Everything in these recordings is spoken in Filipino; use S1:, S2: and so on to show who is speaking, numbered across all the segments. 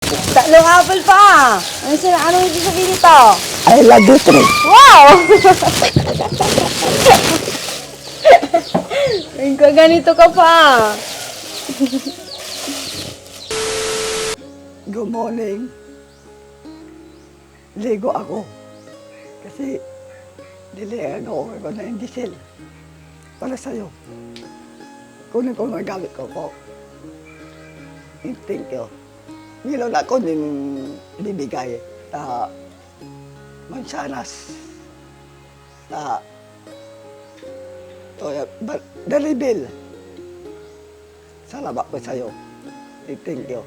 S1: Tatlong apple pa. Ano ibig sabihin nito?
S2: I love you, Trey.
S1: Wow! Ganito ka pa.
S2: Good morning. Ligo ako. Kasi dilihan ako na yung diesel. Para sa'yo. Kunin ko mga gamit ko po. Thank you. Meron ako din bibigay sa mansanas. Sa Dalibil. Salamat po sa'yo. Thank you.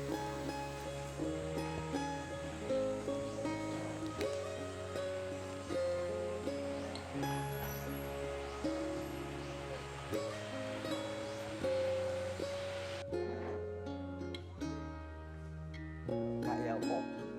S2: Kaya mo.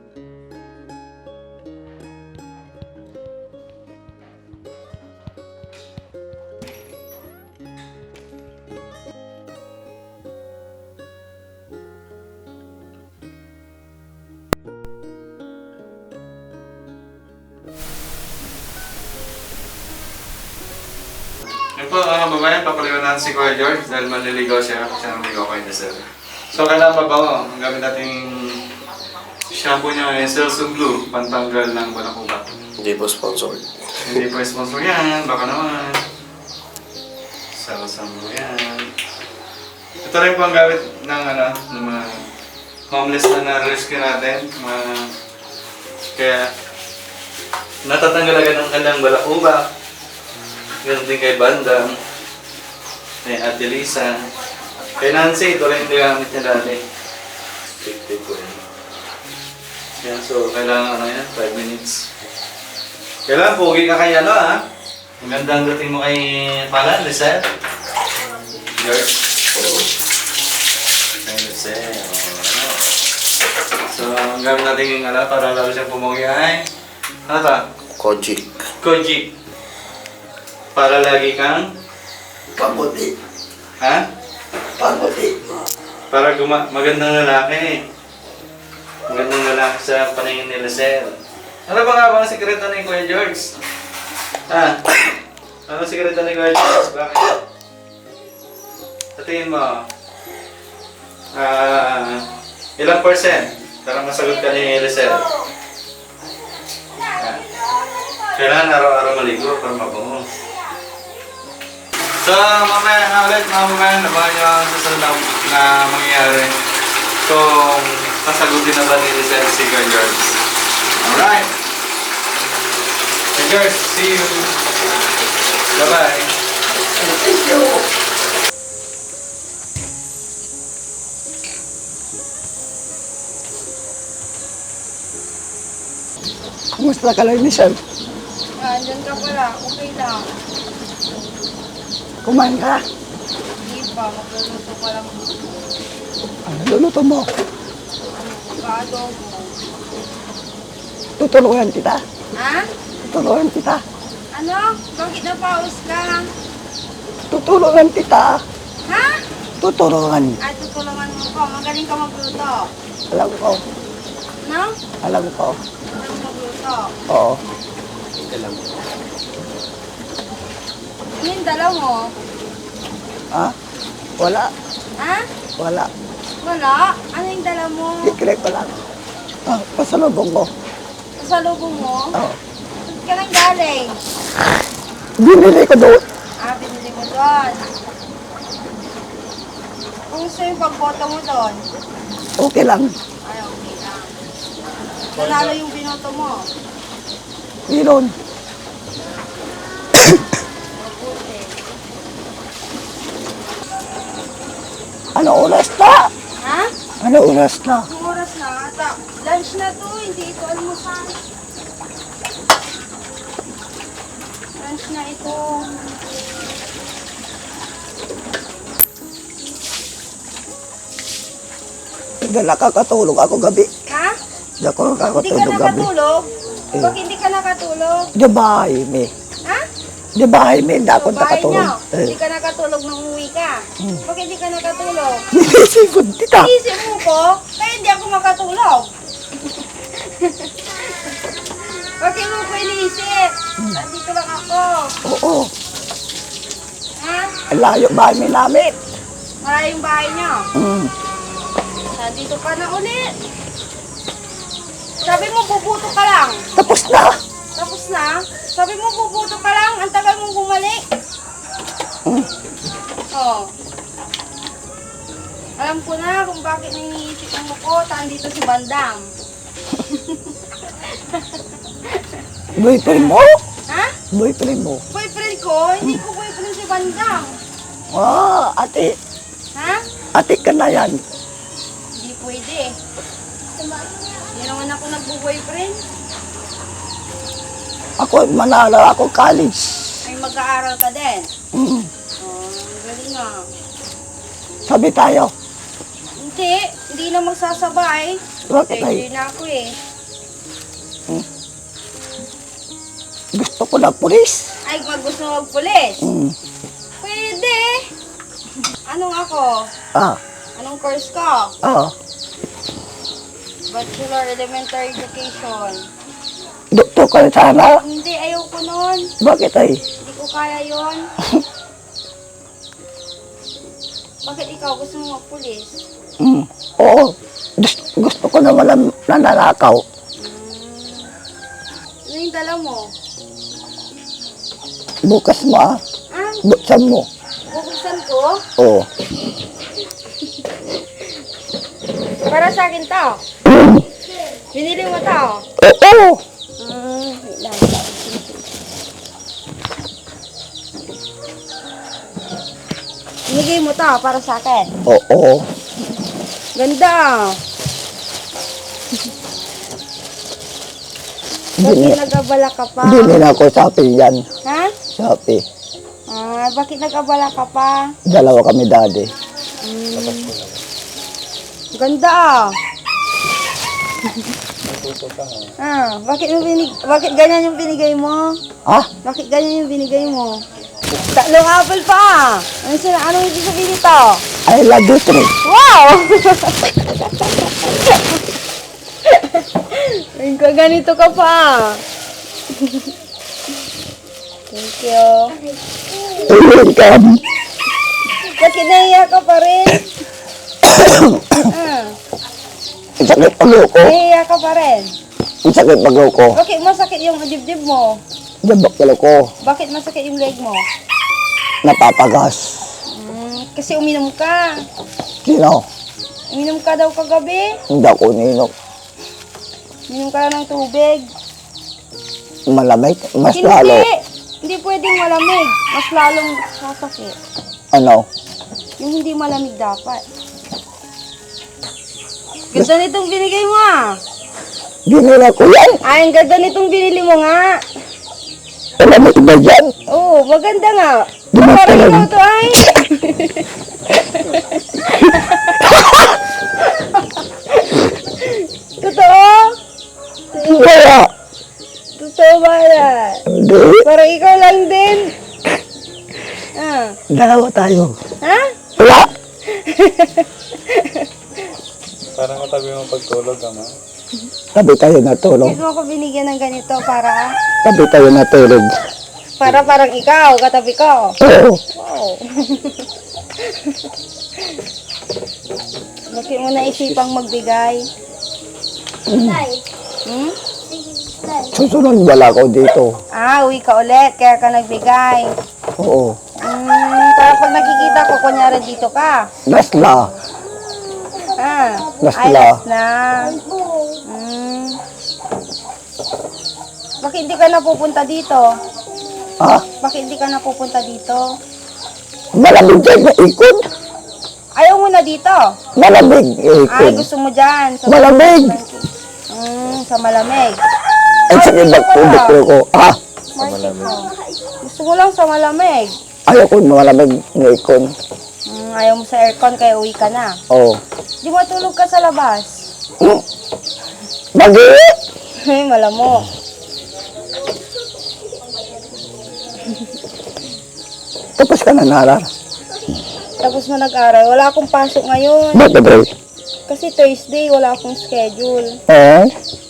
S3: Yun po, mga babayan, papaliwan natin si Kuya George dahil maliligaw siya kasi naligaw kay Nesel. So, kailangan mabaho. Ang gamit nating shampoo niya ay Celso Blue, pantanggal ng balakubat.
S4: Hindi po sponsored.
S3: Hindi po sponsor yan, baka naman. Celso Blue yan. Ito rin po ang gamit ng mga homeless na na-rescue natin. Kaya, natatanggal agad ang kanilang balakubat. Ganun din kay Bandang, kay Ate Lisa, kay Nancy, ito rin yung gamit niya dati. Tigtig ko yun. Yan, so kailangan yan, 5 minutes. Kailangan pogi ka kay ha? Ang ganda ang dating mo kay Palan, Lizelle. George. Kay Lizelle. So, ang gamit natin yung para lalo siyang pumogi ay, ano ta?
S4: Kojic.
S3: Kojic. Para lagi kang...
S2: Pamuti.
S3: Ha?
S2: Pamuti.
S3: Para magandang lalaki. Magandang lalaki sa paningin ni Lizelle. Ano ba nga bang sikreto ni Kuya George? Ha? Ano sikreto ni Kuya George? Bakit? Sa tingin mo, ilang percent para masagot ka ni Lizelle? Kailangan araw-araw maligo para mabango. So, mamaya nga ulit, mga mamaya, nabahan nyo ang susunod na mangyayari. So, nasagutin na ba ni Lizelle si Kuya George? Alright! Kuya George, see you! Bye-bye!
S2: Thank you. Kumusta ka lang, Michelle?
S1: Andyan ka pala. Okay lang.
S2: Kumain ka?
S1: Hindi pa. Magluluto pa lang.
S2: Ano luluto mo?
S1: Ka-adobo.
S2: Tutulungan kita.
S1: Ha?
S2: Tutulungan kita.
S1: Ano? Bakit napaus ka?
S2: Tutulungan kita.
S1: Ha?
S2: Tutulungan.
S1: Ay, tutulungan mo ko. Magaling ka magluto.
S2: Alam ko.
S1: No?
S2: Alam ko.
S1: Magaling magluto.
S2: Oo.
S1: Ano yung dala mo?
S2: Ha? Wala.
S1: Ha?
S2: Wala.
S1: Wala? Ano yung dala mo?
S2: Secret ko lang. Ah, pasalubong ko.
S1: Pasalubong mo?
S2: Oo.
S1: Saan ka nang galing?
S2: Binili ko doon.
S1: Ah, binili mo doon. Kung saan yung pagboto mo doon?
S2: Okay lang.
S1: Ay, okay lang. Nanalo yung binoto mo.
S2: Meron.
S1: Mabuti.
S2: Ano oras na?
S1: Ha?
S2: Ano oras na?
S1: Ang oras na ata. Lunch na to, hindi ito almusal. Lunch na ito.
S2: Hindi nakakatulog ako gabi.
S1: Ha?
S2: Hindi ako
S1: Hindi ka
S2: nakakatulog gabi.
S1: nakatulog?
S2: Eh.
S1: Bakit hindi ka nakatulog?
S2: Di ba, Amy?
S1: Ha?
S2: Di ba, Jaime, hindi ako
S1: Sa bahay
S2: nakatulog.
S1: niyo, hindi ka nakatulog nung uwi ka. Bakit hindi ka nakatulog?
S2: Nilisipon kita.
S1: Isip mo ko, kaya hindi ako makatulog. Bakit mo ko iniisip? Nandito lang ako.
S2: Oo,
S1: Ha?
S2: ang layo bahay namin.
S1: Maraming bahay niyo.
S2: Mm.
S1: Nandito ka na ulit. Sabi mo, bubuto ka lang.
S2: Tapos na.
S1: Tapos na. Sabi mo, bubuto ka lang. Ang tagal mong bumalik. Oh. Alam ko na kung bakit niniisip ng mukot. Andito si Bandam.
S2: Boyfriend mo?
S1: Ha?
S2: Boyfriend mo?
S1: Boyfriend ko? Hindi ko boyfriend si Bandam.
S2: Ate.
S1: Ha?
S2: Ate ka na yan.
S1: Hindi pwede. Hindi naman ako nagbo-boyfriend.
S2: Ako, manalo ako college.
S1: Ay mag-aaral ka din.
S2: Mm.
S1: Oh, galing nga.
S2: Sabi tayo.
S1: Hindi na magsasabay.
S2: Bakit ay?
S1: Hindi na ako eh.
S2: Gusto ko na pulis.
S1: Ay, gusto mo magpulis?
S2: Mm.
S1: Pwede. Anong ako?
S2: Ah,
S1: Anong course ko? Bachelor Elementary Education.
S2: doktor ka na sana.
S1: Hindi, ayoko nun.
S2: Bakit ay?
S1: Hindi ko kaya yon. Bakit ikaw gusto mo magpulis?
S2: Oo. Gusto ko na walang nananakaw.
S1: Ano yung dala mo?
S2: Bukas mo ah.
S1: Ah,
S2: Buksan mo.
S1: bubuksan ko?
S2: Oo.
S1: Para sa akin to. Binili mo to.
S2: Oo.
S1: Wait lang. Binigay mo to para sa akin.
S2: Oo.
S1: Ganda.
S2: Hindi
S1: Bakit nag-abala ka pa?
S2: Hindi na ako Shopee yan.
S1: Ha?
S2: Shopee.
S1: Bakit nag-abala ka pa?
S2: Dalawa kami daddy.
S1: Ganda bakit ganyan yung binigay mo?
S2: Ah?
S1: Bakit ganyan yung binigay mo? Tatlong apple pa. Anong ibig sabihin nito?
S2: I love you three.
S1: Wow! Ganito ka pa. Thank you.
S2: Welcome.
S1: Bakit naiyak ka pa rin?
S2: Ang sakit pag-uko ko.
S1: Naiyak ka pa rin.
S2: Ang sakit pag-uko ko.
S1: Bakit masakit yung dibdib mo?
S2: Jabak pala ko.
S1: Bakit masakit yung leg mo?
S2: Napapagas.
S1: Kasi uminom ka.
S2: Sino?
S1: Uminom ka daw kagabi.
S2: Hindi ako ninok.
S1: Uminom ka lang ng tubig.
S2: Malamig. Mas
S1: Hindi.
S2: lalo.
S1: Hindi pwedeng malamig. Mas lalong sasakit.
S2: Ano?
S1: Yung hindi malamig dapat. Ganda nitong binigay mo ah.
S2: Ginila ko yan.
S1: Ay, ang ganda nitong binili mo nga.
S2: Alam mo iba dyan.
S1: Oo, maganda nga.
S2: Di ba
S1: Parang
S2: talaga?
S1: ikaw to ay. Totoo?
S2: Kaya.
S1: Totoo ba yan?
S2: Hindi.
S1: Parang ikaw lang din.
S2: Dalawa tayo.
S1: Ha?
S2: Wala.
S3: Parang katabi mo pagtulog, ama.
S2: Tabi tayo natulog.
S1: Bakit mo ako binigyan ng ganito para
S2: Tabi tayo natulog.
S1: parang ikaw, katabi ko.
S2: Oo.
S1: Wow. Bakit mo naisipang magbigay? Hmm?
S2: Susunod wala ko dito.
S1: Uwi ka ulit, kaya ka nagbigay.
S2: Oo.
S1: Para pag nakikita ko, kunyari dito ka.
S2: Nasla. Last
S1: Ay,
S2: na.
S1: last na. Bakit hindi ka napupunta dito?
S2: Ha?
S1: Bakit hindi ka napupunta dito?
S2: Malamig dyan na ikot.
S1: Ayaw mo na dito.
S2: Malamig
S1: Ay,
S2: ikot.
S1: gusto mo dyan. Sa
S2: Malamig.
S1: Sa malamig.
S2: Ang sakit
S1: Dito ka.
S2: magtubig ko. Ha?
S1: Gusto mo lang sa malamig.
S2: Ayaw ko malamig na ikon.
S1: Ayaw mo sa aircon, kaya uwi ka na.
S2: Oo.
S1: Di matulog ka sa labas.
S2: Magi!
S1: Ay, malamok.
S2: Tapos ka na narar.
S1: Tapos mo nag-aral. Wala akong pasok ngayon.
S2: Bakit ba?
S1: Kasi Thursday, wala akong schedule.
S2: Eh?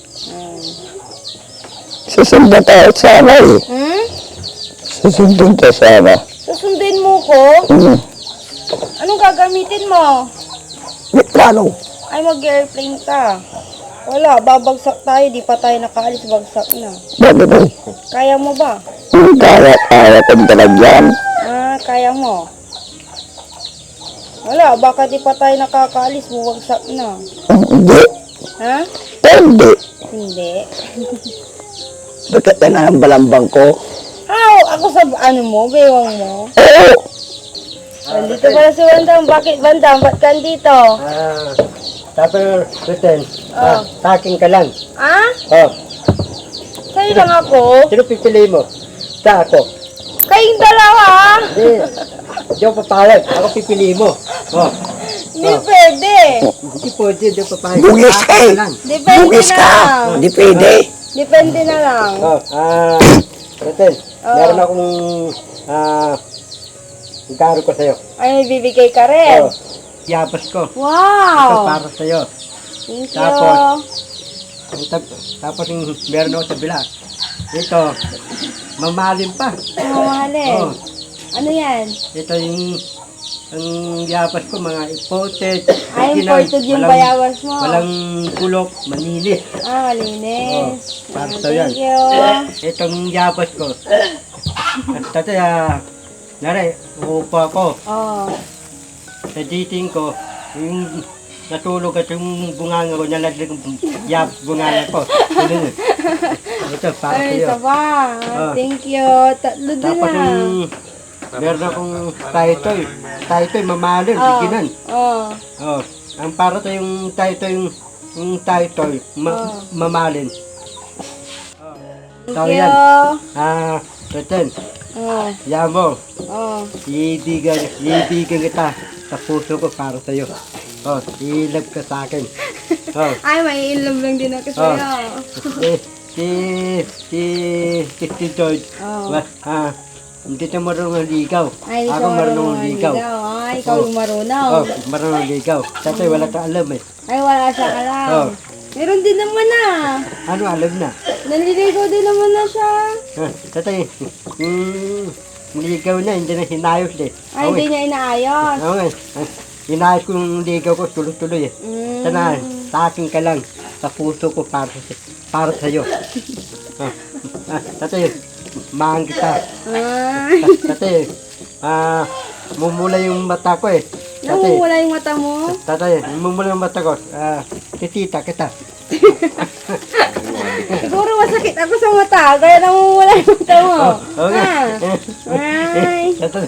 S2: Susundin tayo sana eh.
S1: Hmm?
S2: Susundin tayo sana.
S1: Susundin mo ko?
S2: Hmm.
S1: Anong gagamitin mo?
S2: Plano.
S1: Ay, mag-airplane ka. Wala, babagsak tayo. Di pa tayo nakaalis, bagsak na.
S2: Bakit ba?
S1: Kaya mo ba?
S2: Kaya kong talagyan.
S1: Ah, kaya mo. Wala, baka di pa tayo nakakaalis, bumagsak na.
S2: Hindi.
S1: Ha?
S2: Hindi.
S1: Hindi.
S2: Bakit na ang balambang ko?
S1: Aw, ako sa ano mo, bewang mo.
S2: Oo.
S1: Nandito pala si Bandam. Bakit Bandam? Ba't ka dito?
S4: Tapos, Ruten,
S1: Oh.
S4: taking ka lang.
S1: Ah?
S4: Oh,
S1: Sa'yo lang ako?
S4: sino pipili mo? Sa ako.
S1: Kayong dalawa?
S4: Hindi ako papayag. Ako pipili mo. Oh,
S1: Hindi pwede.
S4: hindi pwede. Hindi ako papayag.
S2: Bugis ka eh.
S4: lang.
S1: Depende
S2: Bugis
S1: na
S2: ka.
S1: lang.
S2: Hindi pwede.
S1: Depende na lang.
S4: Oh, Ruten,
S1: Oh.
S4: meron akong, garo ko sa'yo.
S1: Ay, may bibigay ka rin.
S4: Oh, yabas ko. Ito
S1: Wow!
S4: para sa'yo.
S1: Thank you.
S4: Tapos, Tapos yung meron ako sa bila. Ito, mamahalin pa.
S1: Mamahalin.
S4: Oh,
S1: Ano yan?
S4: ito yung ang yapas ko, mga imported.
S1: Ay,
S4: original,
S1: imported yung
S4: walang-
S1: bayawas mo.
S4: Walang kulok, manilis.
S1: Ah, malinis.
S4: para
S1: Ah,
S4: sa'yo yan.
S1: thank you.
S4: Itong yapas ko. Tatay, nare, uupo ako.
S1: Oh.
S4: Sa dating ko, yung natulog at yung bunganga ko, nalaglag yung bunganga ko. Ganun. Ito, para
S1: Ay,
S4: sa'yo.
S1: isa pa.
S4: Oh.
S1: Thank you. Tatlo din
S4: Tapos
S1: na.
S4: meron akong taitoy. Taitoy, mamahalin,
S1: Oh.
S4: biginan.
S1: Oh.
S4: Oh, ang para to yung taitoy, yung taitoy,
S1: Oh.
S4: mamahalin.
S1: Thank
S4: So,
S1: you.
S4: yan. Reten,
S1: Oh.
S4: yan mo.
S1: Oh.
S4: Iibigan kita sa puso ko para sa'yo. Oh, ilab ka sa akin. Oh,
S1: Ay, may ilove lang din ako
S4: Oh.
S1: sa'yo.
S4: si George.
S1: Oh.
S4: Hindi na marunong ligaw.
S1: Ay,
S4: Ako
S1: ikaw
S4: marunong ligaw.
S1: Ay, ikaw yung marunong.
S4: Oh, marunong ligaw. Tatay, wala ka alam eh.
S1: Ay, wala siya alam.
S4: Oh.
S1: Meron din naman na.
S4: Ano alam na?
S1: Naliligaw din naman na siya.
S4: Tatay, ligaw na, hindi na hinayos eh.
S1: Ay, hindi niya inaayos.
S4: Oo nga, hinayos ko yung ligaw ko, tuloy-tuloy eh. Sana, sa akin ka lang, sa puso ko para sa'yo. Tatay, mahang kita.
S1: Ay,
S4: Tatay, mumula yung mata ko eh. Tatay,
S1: namumula yung mata mo.
S4: tatay, mumula yung mata ko. Titita kita.
S1: Siguro masakit ako sa mata, kaya namumula yung mata mo.
S4: Okay.
S1: Ay.
S4: Tatay,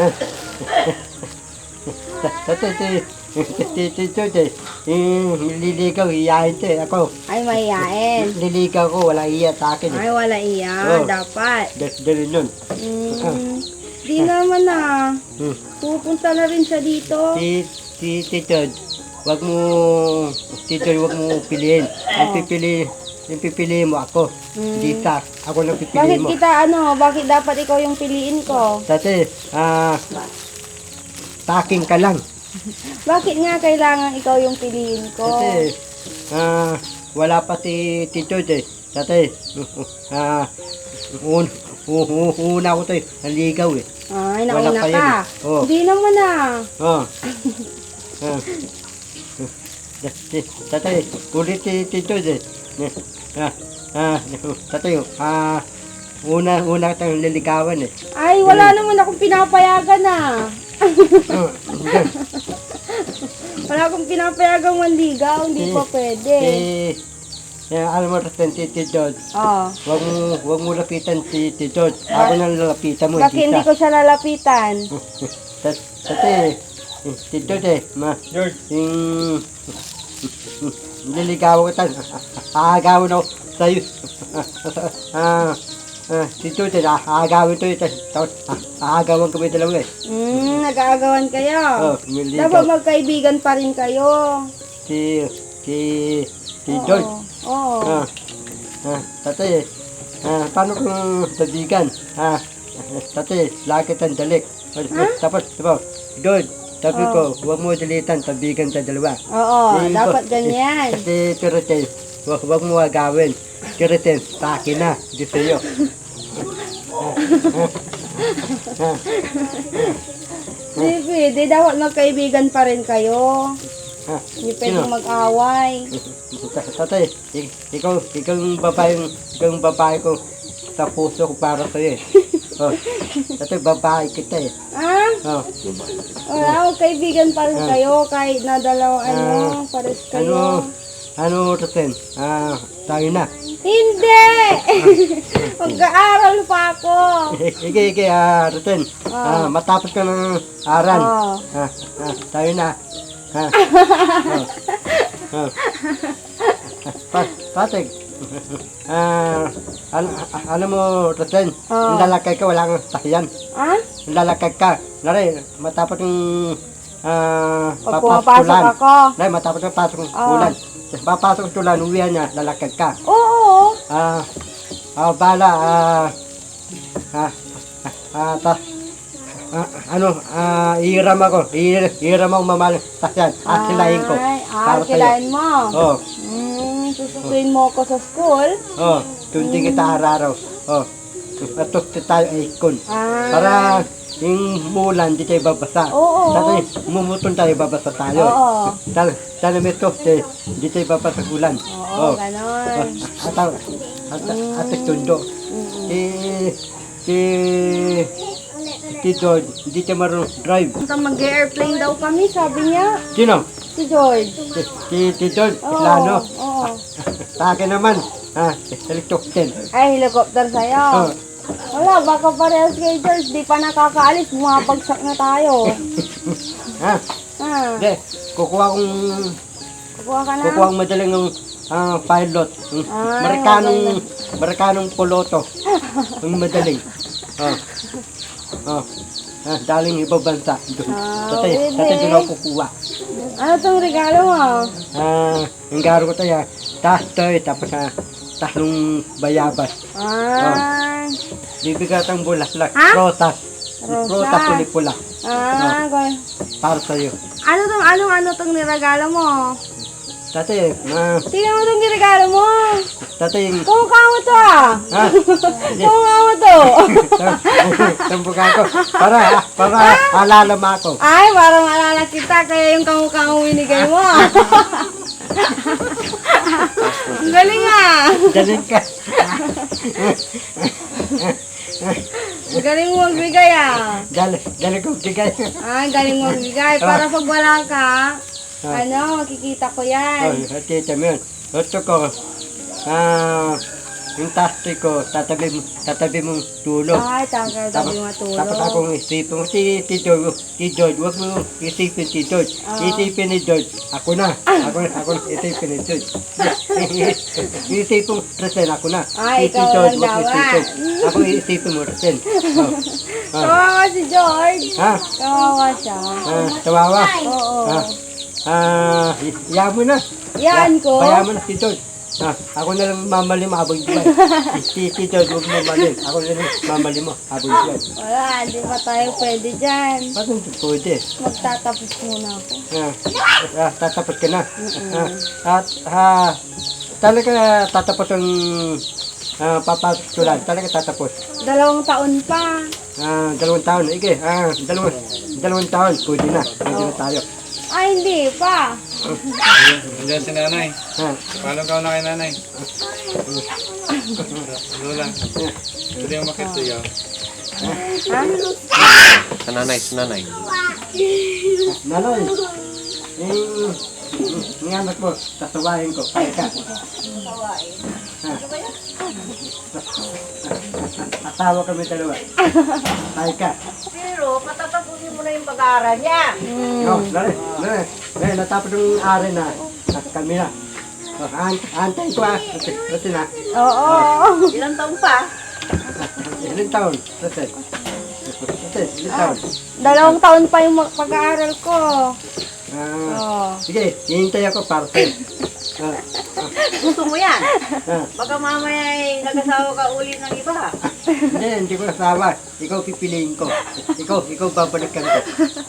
S4: tatay, nililigaw, hiyain to eh. Ako,
S1: Ay, mahihain.
S4: nililigaw ko, wala iya sa akin eh.
S1: Ay, wala iya.
S4: Oh.
S1: Dapat.
S4: Ganun yun.
S1: Di naman na.
S4: Hmm.
S1: Pupunta na rin siya dito.
S4: Tito, wag mo piliin. Yung pipiliin mo ako. Hindi sa, ako nang
S1: Bakit
S4: pipiliin mo.
S1: bakit dapat ikaw yung piliin ko?
S4: Dati, taking ka lang.
S1: Bakit nga kailangan ikaw yung piliin ko?
S4: Dati, wala pa si Tito eh. Dati, una ko to eh, naligaw eh.
S1: Ay,
S4: Wala
S1: nauna
S4: pa yun
S1: ka.
S4: eh. Oh.
S1: Hindi naman na.
S4: Oh. Tatay, ulit si Tito eh. Tatay, una tayong liligawan eh.
S1: Ay, wala naman akong pinapayagan na. Wala akong pinapayagang manligaw. Hindi pa pwede.
S4: Alam mo rin si George,
S1: Oh.
S4: wag mo lapitan si George. Ako nang lalapitan mo,
S1: Bakit hindi ko siya lalapitan?
S4: Tatay, si George eh, yung niligawan kita, aagawin ako sa'yo. Si George eh, aagawin to ito, tapos aagawan kami dalawa eh.
S1: Nag-aagawan kayo.
S4: Oh, niligaw.
S1: Dapat magkaibigan pa rin kayo.
S4: Si George.
S1: Oo.
S4: Tatay, paano kung sabigan? Tatay, lakit ang dalik. Tapos, diba, doon, sabi ko, huwag mo dalitan, tabigan sa dalawa.
S1: Oo,
S4: Hindi
S1: dapat
S4: ko-
S1: ganyan.
S4: Kasi Piritin, huwag mo agawin. Piritin, sa akin na, di sa'yo.
S1: Hindi pwede, dapat magkaibigan pa rin kayo.
S4: Ha?
S1: Hindi pwedeng mag-away.
S4: Tatay, ikaw yung babae ko sa puso ko para sa'yo eh. Oh, tatay, babae kita eh.
S1: Ah?
S4: Oh,
S1: Wala, magkaibigan pa rin kayo kahit na dalawang pares kayo.
S4: ano Rosen? Tayo na.
S1: Hindi! Mag-aaral pa ako.
S4: Ike, Rosen. Matapos ka ng aral.
S1: Oo.
S4: Tayo na. Patig. Alam mo, Rosen,
S1: Oh.
S4: lalakay ka, wala kang sahiyan.
S1: Ah?
S4: Lalakay ka. Nari, matapos yung
S1: Pag
S4: papasok
S1: pumapasok
S4: tulan.
S1: ako.
S4: Nari, matapos yung pasok ng
S1: Oh.
S4: tulan. Papasok ng tulan, uwihan niya, lalakay ka.
S1: Oo.
S4: Bala, ihiram ako. Ihiram ako mamahal. Tasyan, akilahin ko.
S1: Ay,
S4: Para sa'yo.
S1: kilain mo.
S4: Oh,
S1: Susukuin mo ako sa school.
S4: tundi kita araw-araw. Atok tayo ikon. Para yung mulan, di tayo babasa.
S1: Oo.
S4: Dati, mumutol tayo, babasa tayo.
S1: Oo.
S4: Sana may tofte, di tayo babasa ulan.
S1: Oo, ganon.
S4: At tundo. Si George, hindi siya marunong drive.
S1: Mag-airplane daw kami, sabi niya.
S4: Sino?
S1: Si George.
S4: Si George,
S1: Oo.
S4: plano.
S1: Oo.
S4: Sa akin naman, helicopter.
S1: Ay, helicopter sa'yo. Wala, baka parehas kay George. Di pa nakakaalis, bumabagsak na tayo.
S4: Ha?
S1: Ha?
S4: Hindi, kukuha kong
S1: Kukuha ka na?
S4: Kukuha ang madaling ng pilot. Amerikanong piloto. Ang madaling. Daling ibang bansa. Dati
S1: pwede.
S4: doon ako kukuha.
S1: Ano tong regalo mo?
S4: Ang garo ko tayo, tastoy, tapos tatlong bayabas. Bibigat ang bulaklak.
S1: Ha?
S4: Rotas.
S1: Rosas.
S4: Rotas puli-pula. Para sa'yo.
S1: Ano tong niregalo mo?
S4: Dati,
S1: Tingnan mo tong niregalo mo.
S4: dati,
S1: Kamukha mo to ah.
S4: ha?
S1: Kamukha mo to.
S4: Tambukan ko. Para alala mo ako.
S1: Ay, parang maalala kita. Kaya yung kamukha mo binigay mo. Ang galing ah.
S4: Daling ka.
S1: Ang galing mo magbigay ah.
S4: Daling ko bigay.
S1: Ay, galing mo magbigay. Para pag wala ka, makikita ko yan.
S4: Tita mo yun. Gusto ko, yung tastoy ko, tatabi mong tulog.
S1: Ay, tabi matulog.
S4: Tapos akong isipin mo, si George, huwag mo isipin si George. Isipin ni George, ako na isipin ni George. Isipin mo, Resen, ako na.
S1: Ay,
S4: Si
S1: ikaw
S4: George,
S1: lang
S4: huwag mo
S1: daw,
S4: isipin. Ako isipin mo, Resen.
S1: Kawawa si George.
S4: Ha?
S1: Kawawa siya.
S4: Tawawa.
S1: Oo.
S4: Iyan mo na.
S1: Yan ko.
S4: Kaya mo na si George. Ako na lang mamalim habang buwan. Si George, huwag mo mamalim. Ako na lang mamalim mo habang buwan.
S1: Wala, di pa tayo pwede dyan.
S4: Ba't hindi pwede?
S1: Magtatapos muna ako.
S4: Tatapos ka na. Talaga tatapos ang papasok tulan. Talaga tatapos.
S1: 2 taon pa.
S4: 2 taon. Ige, 2 taon. Pwede na. Pwede na tayo.
S1: Ay, hindi pa.
S3: Nandiyan si nanay. Paano ka na kay nanay? Lola. Pwede mo makita yun.
S5: Nanay.
S4: Naloy, yung anak mo, tatawahin ko. Kaya ka. Asawa kami dalawa. Kaya ka.
S6: Pero patatapusin mo na yung pag-aaral niya.
S4: Natapos yung ari na. Kami na. Antayin ko Kasi na.
S1: Oo.
S6: Ilang taon pa?
S4: Ilang taon? Kasi. Ilang taon?
S1: 2 taon pa yung pag-aaral ko. Oo.
S4: Sige, hihintay ako para sa'yo.
S6: Gusto mo yan?
S4: Ah.
S6: Baka mamaya ay nag-asawa ka uli ng iba.
S4: Hindi ko nasawa. Ikaw pipiliin ko. Ikaw babalikan ko.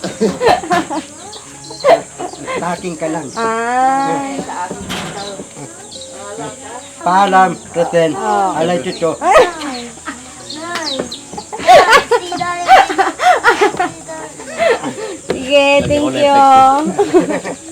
S4: Sa akin ka lang.
S1: Ay.
S4: Paalam, Reten. Alay chucho.
S1: Sige, thank you.